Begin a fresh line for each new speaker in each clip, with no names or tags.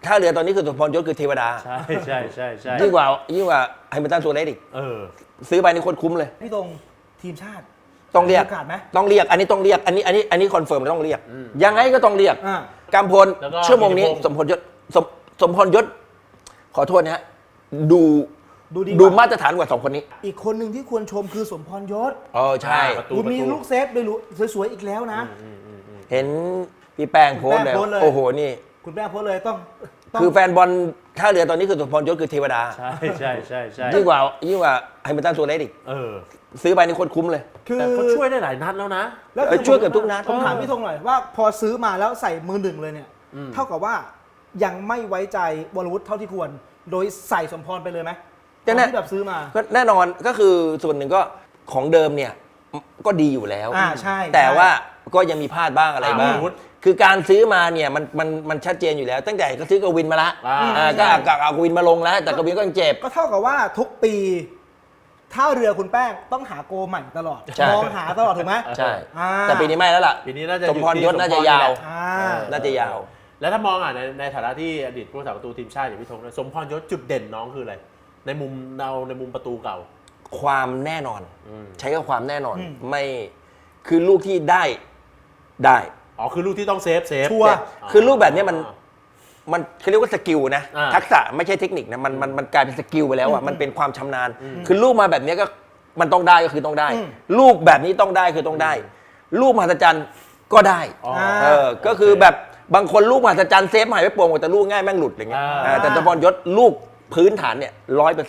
ท่าเรือตอนนี้คือสมพรยศคือเทวดา
ใช่
ยิ่งกว่าไฮเมอร์ตันโซเลสอีกซื้อไปนี่โคตรคุ้มเลย
พี่ตรงทีมชาติ
ต้องเรียก
โอกาสไหม
ต้องเรียกอันนี้ต้องเรียกอันนี้คอนเฟิร์มต้องเรียกยังไงก็ต้องเรียกกำพลชั่วโมงนี้สมพรยศขอโทษนะฮะดูมาตรฐานกว่า2คนนี้
อีกคนหนึ่งที่ควรชมคือสมพรยศ
ใช่
คุณมีลูกเซฟด้วยสวยๆอีกแล้วนะ
เห็นพี่แป้งโพสเลยโอ้โหนี่
คุณแป้งโพสเลยต้อง
คือแฟนบอลท่าเรือตอนนี้คือสมพรยศคือเทวดา
ใช่
ยิ่งกว่าไฮเมอร์ตันโซเลสอีกซื้อไปนี่โคตรคุ้มเลย
แต่เขาช่วยได้หลายนัดแล้วนะ
แล้ว
ช่วยเกือบทุกนัด
ผมถามพี่ธงหน่อยว่าพอซื้อมาแล้วใส่มือหนึ่งเลยเนี่ยเท่ากับว่ายังไม่ไว้ใจวรวุฒิเท่าที่ควรโดยใส่สมพรไปเลยไหมที่แบบซื้อมา
ก็แน่นอนก็คือส่วนหนึ่งก็ของเดิมเนี่ยก็ดีอยู่แล้ว
ใช่
แต่ว่าก็ยังมีพลาดบ้างอะไรบ้างคือการซื้อมาเนี่ยมันชัดเจนอยู่แล้วตั้งแต่ก็ซื้อกวินมาละก็เอากวินมาลงแล้วแต่กวินก็ยังเจ็บ
ก็เท่ากับว่าทุกปีท่าเรือคุณแป้งต้องหาโกใหม่ตลอดมองหาตลอดถูกไหม
ใช่แต่ปีนี้ไม่แล้วล่ะ
ปีนี้น่าจะ
สมพรยศน่าจะยาว
แล้วถ้ามองในฐานะที่อดีตผู้รักษาประตูทีมชาติอย่างพี่ธงสมพรยศจุดเด่นน้องคืออะไรในมุมประตูเก่า
ความแน่นอนใช้กับความแน่นอนไม่คือลูกที่ได้
คือลูกที่ต้องเซฟ
ชัวร์
คือลูกแบบนี้มันเขาเรียกว่าสกิลนะทักษะไม่ใช่เทคนิคนะมันกลายเป็นสกิลไปแล้วอ่ะมันเป็นความชำนาญคือลูกมาแบบนี้ก็มันต้องได้ก็คือต้องได้ลูกแบบนี้ต้องได้คือต้องได้ลูกมหัศจรรย์ก็ได้ก็คือแบบบางคนลูกมหัศจรรย์เซฟหายไปโป่งแต่ลูกง่ายแม่งหลุดอย่างเงี้ยแต่สมพรยศลูกพื้นฐานเนี่ย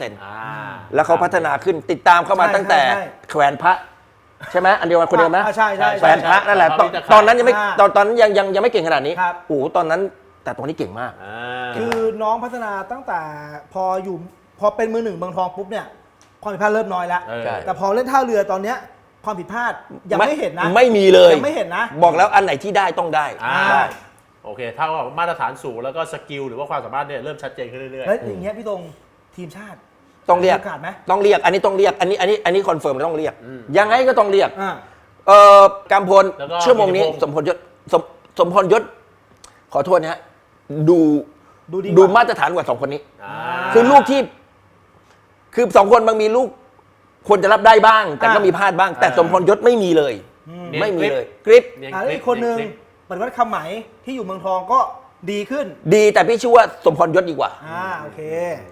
100%แล้วเขาพัฒนาขึ้นติดตามเข้ามาตั้งแต่แขวนพระใช่ไหมอันเดียวกันคนเดียวไหม
ใช่
แขวนพระนั่นแหละตอนนั้นยังไม่ตอนนั้นยังไม่เก่งขนาดนี้โอ้โหตอนนั้นแต่ตอนนี้เก่งมาก
คือน้องพัฒนาตั้งแต่พอเป็นมือหนึ่งเมืองทองปุ๊บเนี่ยความผิดพลาดเริ่มน้อยแล้วแต่พอเล่นท่าเรือตอนเนี้ยความผิดพลาดยังไม่เห็นนะ
ไม่มีเลย
ยังไม่เห็นนะ
บอกแล้วอันไหนที่ได้ต้องได้
โอเคถ้าว่ามาตรฐานสูงแล้วก็สกิลหรือว่าความสามารถเนี่ยเริ่มชัดเจนขึ้นเรื่อยๆ
แล้วอย่างเงี้ยพี่ตรงทีมชาติ
ต้องเรียกต้องเรียกอันนี้ต้องเรียกอันนี้คอนเฟิร์มต้องเรียกยังไงก็ต้องเรียกกำพลชั่วโมงนี้สมพรยศขอโทษนะฮะดูมาตรฐานกว่า2คนนี้คือลูกที่คือ2คนบางมีลูกควรจะรับได้บ้างแต่ก็มีพลาดบ้างแต่สมพรยศไม่มีเลยไม่มีเลยกริป
อีกคนนึงปฏิวัติคำไหมที่อยู่เมืองทองก็ดีขึ้น
ดีแต่พี่ชื่อว่าสมพรยศดีกว่า
โอเค